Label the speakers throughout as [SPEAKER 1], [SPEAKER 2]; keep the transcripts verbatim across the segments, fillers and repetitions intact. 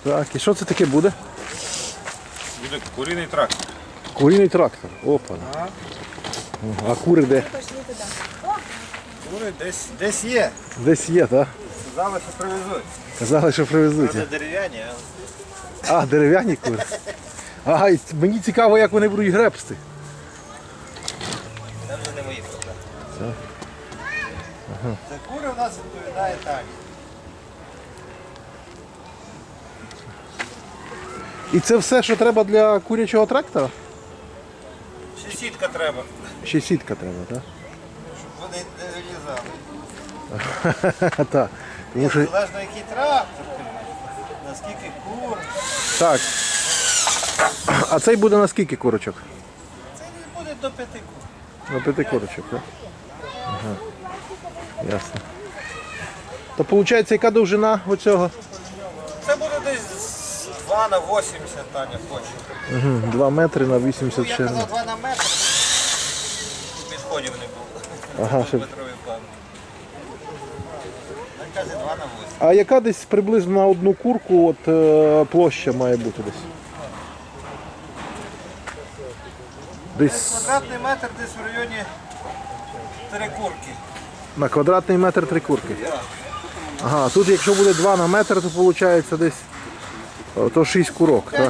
[SPEAKER 1] Так, і що це таке буде?
[SPEAKER 2] Буде куріний трактор.
[SPEAKER 1] Куріний трактор. Опа.
[SPEAKER 2] Ага.
[SPEAKER 1] А кури де?
[SPEAKER 2] Кури десь, десь є.
[SPEAKER 1] Десь є, так?
[SPEAKER 2] Сказали, що привезуть.
[SPEAKER 1] Казали, що привезуть.
[SPEAKER 2] Це дерев'яні, а
[SPEAKER 1] А, дерев'яні кури. Ага, і мені цікаво, як вони будуть гребсти.
[SPEAKER 2] це вже не мої проблеми. Ага. За кури в нас відповідає так.
[SPEAKER 1] І це все, що треба для курячого трактора?
[SPEAKER 2] Ще сітка треба,
[SPEAKER 1] Ще сітка треба, так?
[SPEAKER 2] щоб вони не вилізали.
[SPEAKER 1] Так. Тому що...
[SPEAKER 2] Залежно який трактор, наскільки кур.
[SPEAKER 1] Так. А цей буде на скільки курочок?
[SPEAKER 2] Це не буде до п'яти кур.
[SPEAKER 1] На п'яти курочок, так? Ага. Ясно. То виходить, яка довжина оцього?
[SPEAKER 2] Це буде десь два на вісімдесят, Таня хоче.
[SPEAKER 1] Угу. два метри на
[SPEAKER 2] Ну,
[SPEAKER 1] вісімдесят
[SPEAKER 2] я
[SPEAKER 1] ширин.
[SPEAKER 2] казав два на метр. Підходів не було.
[SPEAKER 1] Ага, щоб...
[SPEAKER 2] Метровий план. Він каже два на вісім.
[SPEAKER 1] А яка десь приблизно на одну курку от, е, площа має бути десь? Десь
[SPEAKER 2] Квадратний метр десь в районі три курки.
[SPEAKER 1] на квадратний метр три курки. Ага, тут якщо буде два на метр, то виходить десь о, то шість курок. Так?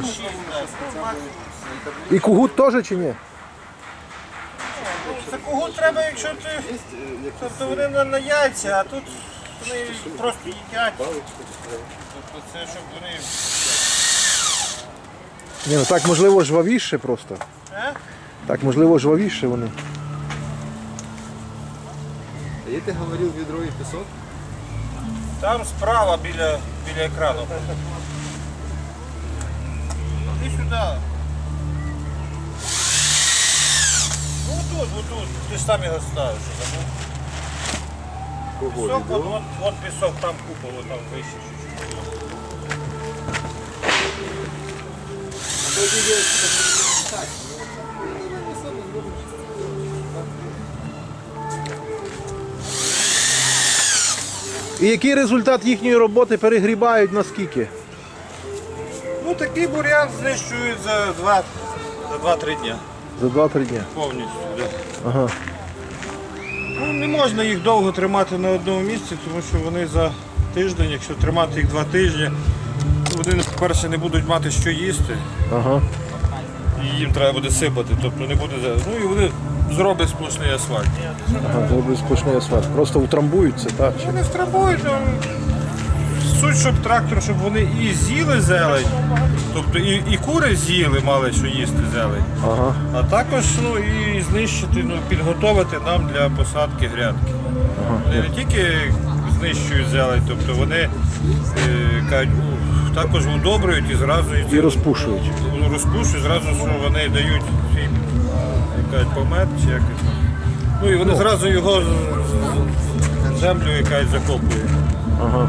[SPEAKER 1] І кугут теж чи ні?
[SPEAKER 2] За кого треба, якщо ти. Тобто вони на, на яйця, а тут вони просто їдять. Тобто це щоб вони.
[SPEAKER 1] Ні, ну так можливо жвавіше просто.
[SPEAKER 2] А?
[SPEAKER 1] Так можливо жвавіше вони.
[SPEAKER 3] А я ти говорив відро і пісок?
[SPEAKER 2] Там справа біля, біля екрану. Іди сюди. Ну тут, отут. Ти ж там його ставиш. Пісок, от, от, от пісок, там купа, от там вище чуть-чуть.
[SPEAKER 1] І який результат їхньої роботи перегрібають наскільки?
[SPEAKER 2] Ну такий бур'ян знищують за два, за два-три дня.
[SPEAKER 1] За два-три дні.
[SPEAKER 2] Повністю. Да.
[SPEAKER 1] Ага.
[SPEAKER 2] Ну, не можна їх довго тримати на одному місці, тому що вони за тиждень, якщо тримати їх два тижні, вони, по-перше, не будуть мати що їсти,
[SPEAKER 1] Ага.
[SPEAKER 2] і їм треба буде сипати, тобто не буде. Ну і вони зроблять сплошний асфальт.
[SPEAKER 1] Ага, зроблять сплошний асфальт. Просто утрамбуються, так? Чи?
[SPEAKER 2] Вони втрабують, ну, суть, щоб трактор, щоб вони і з'їли зелень, тобто і, і кури з'їли, мали що їсти зелень,
[SPEAKER 1] Ага.
[SPEAKER 2] а також ну, і знищити, ну, підготовити нам для посадки грядки. Вони не тільки знищують зелень, тобто вони е, кажуть, у, також удобрюють і зразу
[SPEAKER 1] І розпушують.
[SPEAKER 2] ну, розпушують, зразу що вони дають свій кажуть, помет чи як це. Ну і вони зразу його в землю якась закопують.
[SPEAKER 1] Ага.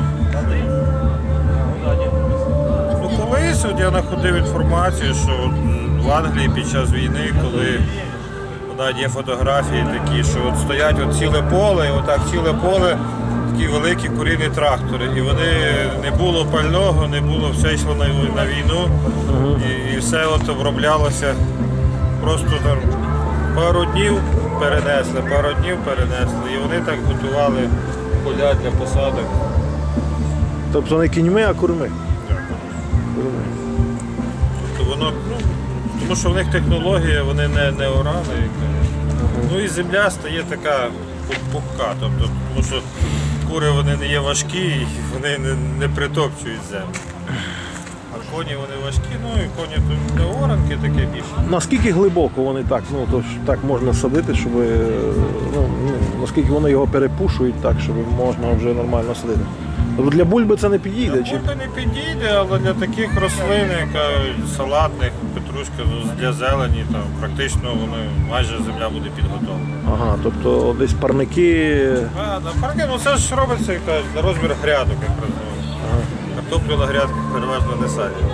[SPEAKER 2] Ну колись от я знаходив інформацію, що от в Англії під час війни, коли навіть є фотографії такі, що от стоять от ціле поле, і отак ціле поле, такі великі курінні трактори. І вони не було пального, не було, все йшло на, на війну, і, і все от оброблялося просто там пару днів перенесли, пару днів перенесли. І вони так готували поля для посадок.
[SPEAKER 1] Тобто не кіньми, а курми. Курми.
[SPEAKER 2] Тобто воно, ну, тому що в них технологія, вони не, не орали. Ну і земля стає така пухка, тобто, тому що кури вони не є важкі, і вони не, не притопчують землю. А коні вони важкі, ну і коні тут для оранки таке більше.
[SPEAKER 1] Наскільки глибоко вони так, ну то ж так можна садити, щоб ну, ну, наскільки вони його перепушують так, щоб можна вже нормально садити. Тобто для бульби це не підійде? Чи?
[SPEAKER 2] Бульба не підійде, але для таких рослин, як салатних, петрушка для зелені, там практично вони, майже земля буде підготовлена.
[SPEAKER 1] Ага, тобто десь парники.
[SPEAKER 2] А, да, парки, ну це ж робиться як кажуть, на розмір грядок, як розумію.
[SPEAKER 1] Ага.
[SPEAKER 2] Картоплю на грядках переважно не садять.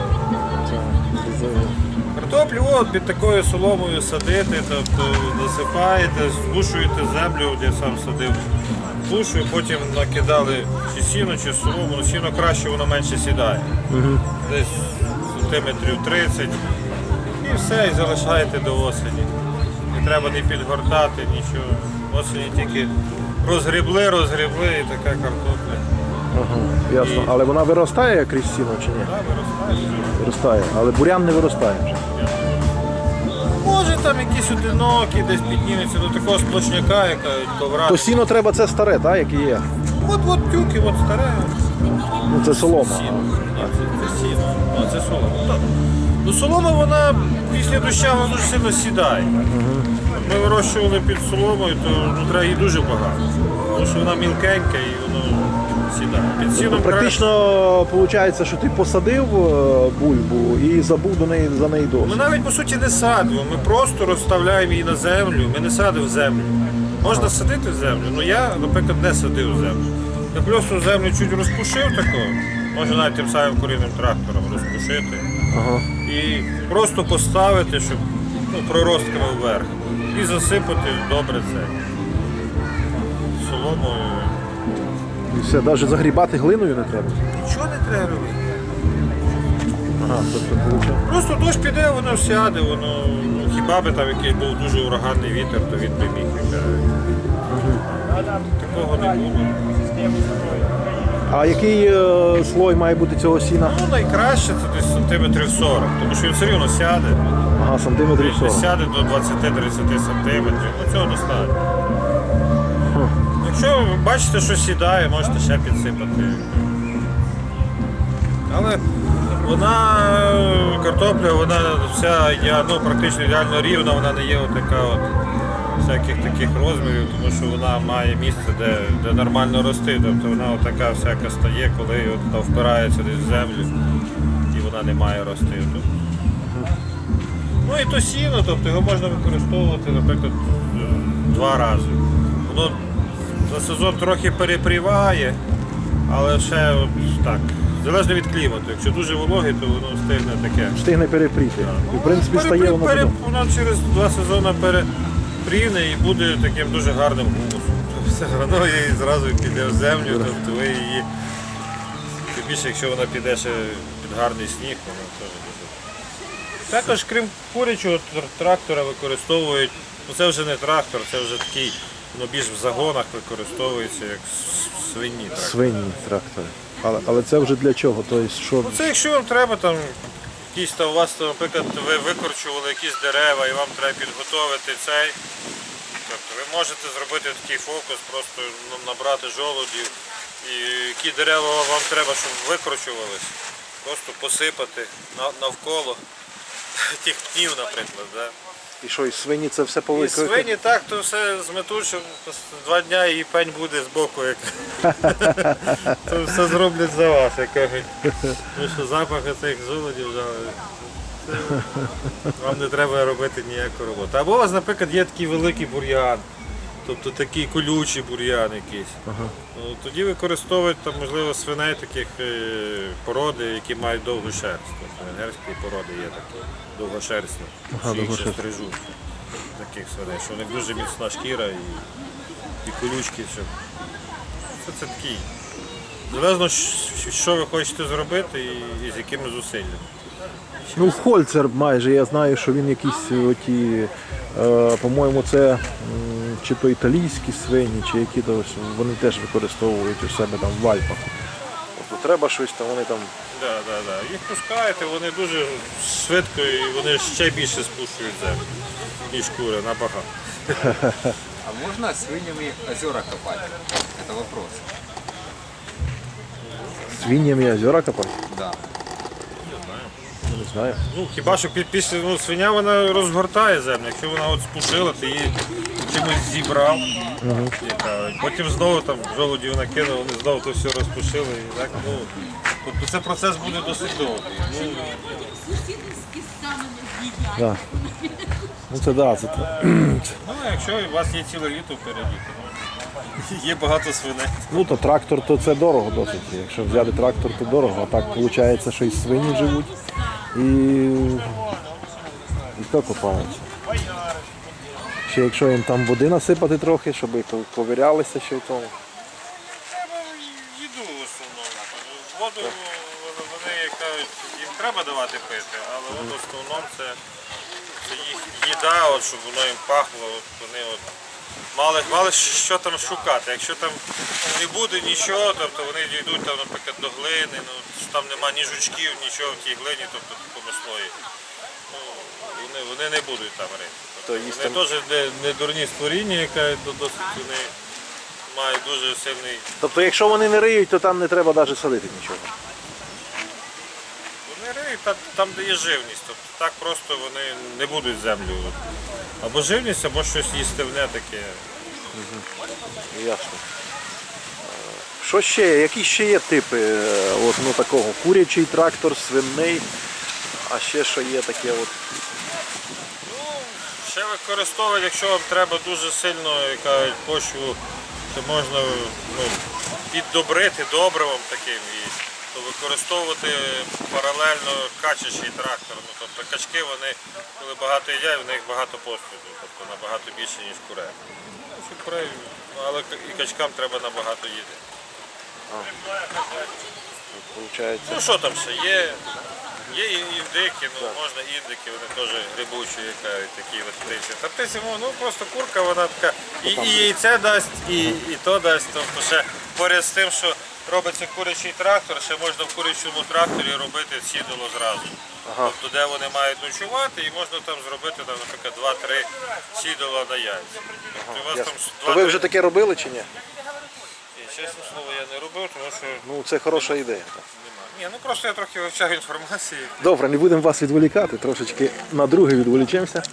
[SPEAKER 2] Картоплю от під такою соломою садити, тобто насипаєте, згушуєте землю, де я сам садив. перепушую, потім накидали чи сіно, чи солому, ну сіно краще, воно менше сідає.
[SPEAKER 1] Угу.
[SPEAKER 2] Десь сантиметрів тридцять. І все, і залишаєте до осені. Не треба не підгортати, нічого. Осені тільки розгрібли, розгрібли і така картопля.
[SPEAKER 1] Ага, ясно. Але вона виростає крізь сіно чи ні?
[SPEAKER 2] Так, виростає.
[SPEAKER 1] Виростає. Але бурян не виростає вже.
[SPEAKER 2] Може там якісь одинокі, десь піднімуться до такого сплошняка, яка ковра.
[SPEAKER 1] То сіно треба це старе, так, яке є?
[SPEAKER 2] От от тюки, от старе.
[SPEAKER 1] Ну це солома.
[SPEAKER 2] Сіно. Ні, це, це сіно. А це солома. Ну, ну солома вона після доща вона дуже сильно сідає. Ми вирощували під соломою, то ну, треба її дуже багато. Тому що вона мілкенька і воно сідає. Під сіном
[SPEAKER 1] Практично виходить, що ти посадив е, бульбу і забув до неї за неї
[SPEAKER 2] Ми
[SPEAKER 1] досить.
[SPEAKER 2] навіть по суті не садимо, ми просто розставляємо її на землю, ми не садимо в землю. Можна садити в землю, але я, наприклад, не садив в землю. Я просто землю чуть розпушив такого, може навіть тим самим курінним трактором розпушити
[SPEAKER 1] Ага.
[SPEAKER 2] і просто поставити, щоб ну, проростками вверх. І засипати добре це соломою.
[SPEAKER 1] І все, навіть загрібати глиною не треба.
[SPEAKER 2] Нічого не треба робити.
[SPEAKER 1] Ага, тобто виходить.
[SPEAKER 2] Просто дощ піде, воно сяде, воно ну, хіба би там якийсь був дуже ураганний вітер, то він би міг віддати. Такого не було.
[SPEAKER 1] А який е, слой має бути цього сіна?
[SPEAKER 2] Ну найкраще це десь сантиметрів сорок, тому що він все рівно сяде.
[SPEAKER 1] Ага, сантиметрів
[SPEAKER 2] Десь
[SPEAKER 1] сорок.
[SPEAKER 2] сяде до двадцять-тридцять сантиметрів, ну цього достатньо. Якщо ви бачите, що сідає, можете ще підсипати. Але вона, картопля, вона вся ідеально, ну, практично ідеально рівна, вона не є така от всяких таких розмірів, тому що вона має місце, де, де нормально рости. Тобто вона от така всяка стає, коли от вона впирається десь в землю і вона не має рости. Тобто. Ну і то сіно, тобто його можна використовувати, наприклад, два рази. Воно за сезон трохи перепріває, але ще от так. Залежно від клімату. Якщо дуже вологий, то воно встигне таке.
[SPEAKER 1] Встигне перепріти. І, в принципі,
[SPEAKER 2] Перепри-
[SPEAKER 1] стає воно
[SPEAKER 2] пере-
[SPEAKER 1] потім.
[SPEAKER 2] Воно через два сезони перепрівне і буде таким дуже гарним гумусом. Тобто все воно її зразу піде в землю, тобто ви її. Тим більше, якщо вона піде ще під гарний сніг, воно теж дуже. Також, крім курячого тр- трактора, використовують, ну це вже не трактор, це вже такий, ну більш в загонах використовується як с- свині трактори.
[SPEAKER 1] Свині трактори. Але, але це вже для чого? Тобто, що...
[SPEAKER 2] Ну це якщо вам треба там якісь там у вас, там, наприклад, ви викорчували якісь дерева і вам треба підготовити цей. Тобто ви можете зробити такий фокус, просто ну, набрати жолудів і які дерева вам треба, щоб викорчувались, просто посипати на- навколо тих пнів, наприклад. Да?
[SPEAKER 1] І що, і свині це все
[SPEAKER 2] І
[SPEAKER 1] повикрити?
[SPEAKER 2] свині так, то все зметуть, що два дня і пень буде з боку. Як... то все зроблять за вас, як кажуть. Тому що запах цих жолудів вже це... вам не треба робити ніяку роботу. Або у вас, наприклад, є такий великий бур'ян, тобто такий колючий бур'ян якийсь.
[SPEAKER 1] Ага.
[SPEAKER 2] Ну, тоді використовують там, можливо, свиней таких е, породи, які мають довгу шерсть. Тобто венгерські породи є такі довгошерстні,
[SPEAKER 1] Ага,
[SPEAKER 2] що їх ще
[SPEAKER 1] довгошерстні.
[SPEAKER 2] стрижуть. Таких свиней, що у них дуже міцна шкіра і, і колючки. Що... Це, це такий. Залежно, щ- що ви хочете зробити і, і з якими зусиллями.
[SPEAKER 1] Ну, Хольцер майже, я знаю, що він якісь оті, е, по-моєму, це м, чи то італійські свині, чи які то ось вони теж використовують у себе там в Альпах. Тобто треба щось там, вони там.
[SPEAKER 2] Да, да, да. Їх пускаєте, вони дуже швидко і вони ще більше спушують землю, ніж кури, набагато.
[SPEAKER 3] А можно свиньями озера копать? Это вопрос.
[SPEAKER 1] Свиньями озера копати?
[SPEAKER 3] Да.
[SPEAKER 1] Ну, не знаю.
[SPEAKER 2] Ну, хіба що пі- після ну, свиня вона розгортає землю, якщо вона от спушила, ти її чимось зібрав. Яка, і потім знову там жолудів накинули, вони знову то все розпушили. І так, ну, тобто це процес буде досить довгий. Ну,
[SPEAKER 4] Сусіди з кістами не з'їдять.
[SPEAKER 1] Да. Ну це да, це.
[SPEAKER 2] ну, якщо у вас є ціле літо впереді, то є багато свиней.
[SPEAKER 1] Ну то трактор, то це дорого досить. Якщо взяти трактор, то дорого. А так виходить, що і свині живуть, і, і то копаються. Ще якщо їм там води насипати трохи, щоб і ковирялися ще в тому.
[SPEAKER 2] воду вони як кажуть, їм треба давати пити, але от в основному це, це їх їда, от, щоб воно їм пахло, от вони от мали, мали що там шукати. Якщо там не буде нічого, тобто вони дійдуть там, наприклад, до глини, ну, що там нема ні жучків, нічого в тій глині, тобто помислої. Ну, вони, вони не будуть там рити.
[SPEAKER 1] То
[SPEAKER 2] Тобто,
[SPEAKER 1] їсть
[SPEAKER 2] вони
[SPEAKER 1] там-
[SPEAKER 2] теж не, не дурні створіння, яка досить вони мають дуже сильний.
[SPEAKER 1] Тобто, якщо вони не риють, то там не треба навіть садити нічого.
[SPEAKER 2] Вони риють та- там, де є живність. Тобто так просто вони не будуть землю. Або живність, або щось їстивне таке.
[SPEAKER 1] Ясно. Що ще є? Які ще є типи е, от, ну, такого? Курячий трактор, свинний, а ще що є таке от.
[SPEAKER 2] Ну, ще використовувати, якщо вам треба дуже сильно як кажуть, почву, то можна ну, піддобрити добривом таким і то використовувати паралельно качачий трактор. Ну, тобто качки, вони, коли багато їдять, в них багато посуду, тобто набагато більше, ніж курей. Ну, що курей, ну, але і качкам треба набагато їти.
[SPEAKER 1] Получається.
[SPEAKER 2] Ну що там ще є? Є і індики, ну можна індики, вони теж грибучі, яка, такі от птиці. Та птиці, ну просто курка, вона така і, і яйце дасть, і, і то дасть. Тобто ще поряд з тим, що робиться курячий трактор, ще можна в курячому тракторі робити сідало зразу.
[SPEAKER 1] Ага.
[SPEAKER 2] Тобто де вони мають ночувати, і можна там зробити, там, наприклад, два-три сідала на яйця. Тобто, у вас
[SPEAKER 1] Ясно.
[SPEAKER 2] там
[SPEAKER 1] То ви
[SPEAKER 2] два-три-
[SPEAKER 1] вже таке робили чи ні?
[SPEAKER 2] Ні, чесне слово, я не робив, тому що
[SPEAKER 1] Ну, це хороша ідея.
[SPEAKER 2] немає. Ні, ну просто я трохи вивчав інформації.
[SPEAKER 1] Добре, не будемо вас відволікати, трошечки на друге відволічемося.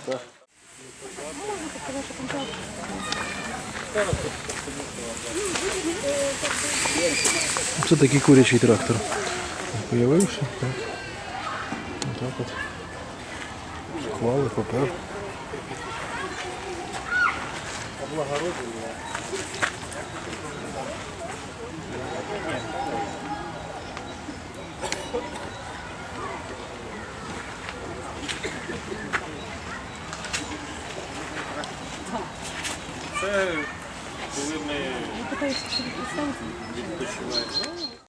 [SPEAKER 1] Це такий курячий трактор. Появився, так. Отак от. Склали, попер.
[SPEAKER 2] Це коли ми відпочиваємо.